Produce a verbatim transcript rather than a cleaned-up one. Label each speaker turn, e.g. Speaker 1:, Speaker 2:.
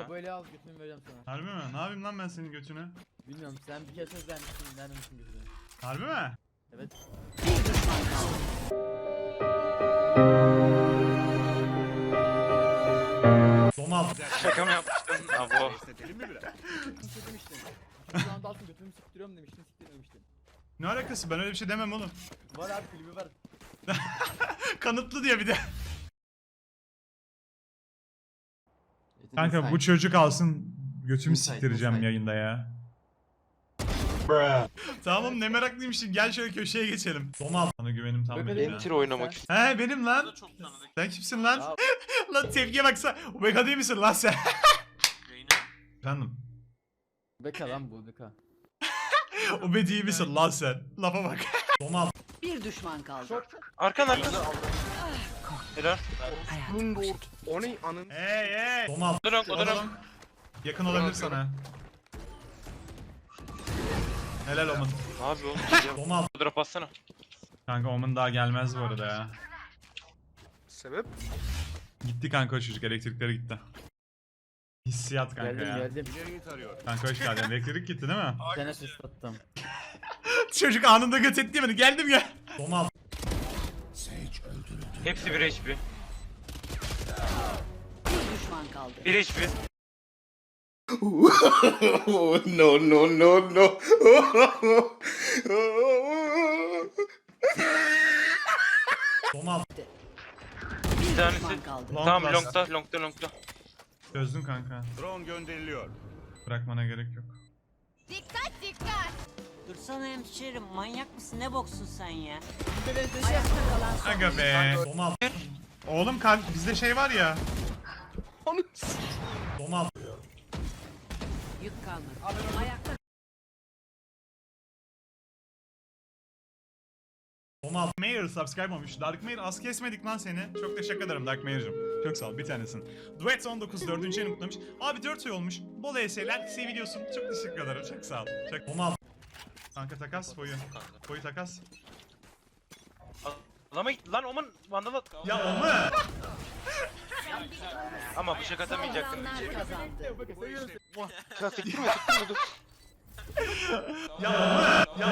Speaker 1: ya.
Speaker 2: Böyle al götünü vereceğim sana.
Speaker 3: Harbi mi? Ne yapayım lan ben senin götünü?
Speaker 2: Bilmiyorum sen bir kere söz vermişsin vermemişsin götünü.
Speaker 3: Harbi mi?
Speaker 2: Evet.
Speaker 4: Bir düşman kaldı.
Speaker 3: Domal.
Speaker 1: Şaka mı yapmıştın? Abo.
Speaker 2: Şey demiştin. Şu anda altın götümü siktiriyorum demiştin siktirmemiştin.
Speaker 3: Ne alakası? Ben öyle bir şey demem oğlum.
Speaker 2: Var abi klibi var.
Speaker 3: Kanıtlı diye bir de. Kanka bu çocuk alsın götümü
Speaker 5: Inside,
Speaker 3: siktireceğim
Speaker 5: inside.
Speaker 3: yayında ya. Tamam ne meraklıymışsın gel şöyle köşeye geçelim. Domal. Sana güvenim tam
Speaker 2: Böyle
Speaker 3: benim
Speaker 2: benim
Speaker 3: ya.
Speaker 1: Enter oynamak istiyorum.
Speaker 3: He benim lan. Sen kimsin lan?
Speaker 2: Ya.
Speaker 3: Lan tepkiye baksana. Omega değil misin lan sen? Efendim.
Speaker 2: Beka lan bu beka.
Speaker 3: Obe değil misin lan sen? Lafa bak. Domal.
Speaker 4: Bir düşman kaldı.
Speaker 1: Arkan arkan. Helal.
Speaker 4: Hayat.
Speaker 6: O ne anın?
Speaker 3: Hey hey. Domal.
Speaker 1: O da rank, o da rank.
Speaker 3: Oğlum, yakın olabilir sana. Helal Omen.
Speaker 1: Abi oğlum.
Speaker 3: Domal.
Speaker 1: Drop atsana.
Speaker 3: Kanka Omen daha gelmez bu arada ya.
Speaker 6: Sebep?
Speaker 3: Gitti kanka o çocuk elektriklere gitti. Hissiyat kanka
Speaker 2: Geldim
Speaker 3: ya.
Speaker 2: geldim.
Speaker 3: Kanka hoş geldin. Elektrik gitti değil mi?
Speaker 2: Bir tane sus attım.
Speaker 3: Çocuk anında göt etti beni. Geldim ya. Domal.
Speaker 1: Hepsi bir H P.
Speaker 4: Bir düşman kaldı.
Speaker 1: bir H P.
Speaker 6: No no no no.
Speaker 3: Domal.
Speaker 4: Bir
Speaker 1: tanesi-
Speaker 4: düşman kaldı.
Speaker 3: Long
Speaker 1: Tamam
Speaker 3: last.
Speaker 1: longta longta longta.
Speaker 3: Çözdün kanka.
Speaker 7: Drone gönderiliyor.
Speaker 3: Bırakmana gerek yok.
Speaker 8: Dursana hemşerim, manyak mısın, ne boksun sen ya?
Speaker 4: Ayakta kalan son.
Speaker 3: Aga be. Domal. Oğlum kanka bizde şey var ya. Domal.
Speaker 4: Yük kalmadı. Ayakta
Speaker 3: Domal. Mayor subscribe olmuş. Dark Mayor az kesmedik lan seni. Çok teşekkür ederim Dark Mayor'cum. Çok sağ ol bir tanesin. Duet on dokuz dördüncü ayını kutlamış. Abi dört ay olmuş. Bol E S'ler seviliyorsun. Çok teşekkür ederim. Çok sağ ol. Çok... Domal. Kanka takas boyu. Boyu takas.
Speaker 1: Adama git lan Oman vandal at.
Speaker 3: Ya o mu?
Speaker 1: Ama bıçak atamayacaktım.
Speaker 4: saldıranlar kazandı.
Speaker 1: Ya sektirme sektirme dur.
Speaker 3: Ya o mu? Ya